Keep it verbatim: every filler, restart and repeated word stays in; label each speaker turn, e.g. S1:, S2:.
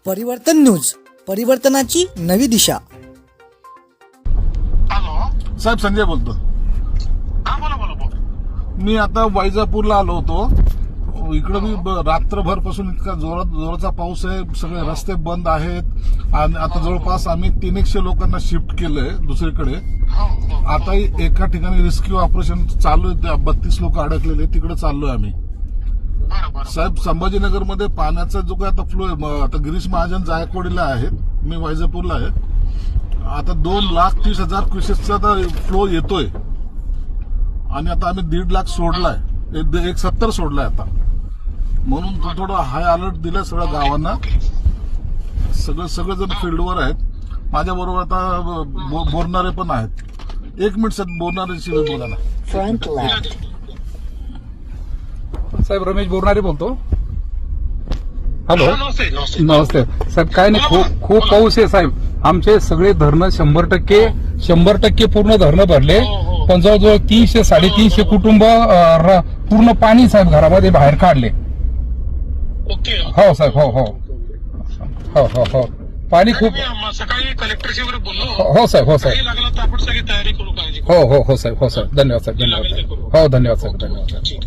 S1: परिवर्तन न्यूज, परिवर्तनाची नवी दिशा.
S2: हॅलो
S3: साहेब, संजय बोलतो.
S2: हा बोला बोला बोला.
S3: मी आता वैजापूरला आलो होतो. इकडे मी रात्रभर पासून इतका जोरात जोराचा पाऊस आहे, सगळे रस्ते बंद आहेत आणि आता जवळपास आम्ही तीन एकशे लोकांना शिफ्ट केलंय दुसरीकडे. आता एका ठिकाणी रेस्क्यू ऑपरेशन चालू आहे, बत्तीस लोक अडकलेले, तिकडे चाललोय आम्ही. साहेब, संभाजीनगरमध्ये पाण्याचा जो काय आता फ्लो आहे, आता गिरीश महाजन जायकवाडीला आहेत, मी वैजापूरला आहे. आता दोन लाख तीस हजार क्युसेसचा फ्लो येतोय आणि आता आम्ही दीड लाख सोडलाय, एक सत्तर सोडलाय आता. म्हणून थोडं हाय अलर्ट दिलाय सगळ्या गावांना. सगळं सगळेजण फील्डवर आहेत. माझ्या बरोबर आता बोलणारे पण आहेत. एक मिनिट साहेब, बोलणाऱ्याशी बोला ना.
S1: Front left.
S4: साहेब, रमेश बोरणारे बोलतो. हॅलो,
S2: नमस्ते नमस्ते.
S4: नमस्ते साहेब. काय नाही, खूप खूप पाऊस आहे साहेब. आमचे सगळे धरणं शंभर टक्के शंभर टक्के पूर्ण धरणं भरले, पण जवळजवळ तीनशे साडेतीनशे कुटुंब अं, पूर्ण पाणी साहेब घरामध्ये बाहेर काढले.
S2: ओके.
S4: हो साहेब, हो हो हो हो हो पाणी खूप.
S2: मी सकाळी कलेक्टरशी वगैरे बोललो.
S4: हो साहेब, हो साहेब.
S2: काही लागलं तर आपण सगळी तयारी करू, काळजी करू.
S4: हो हो हो साहेब, हो साहेब. धन्यवाद साहेब, धन्यवाद साहेब. हो, धन्यवाद साहेब, धन्यवाद साहेब.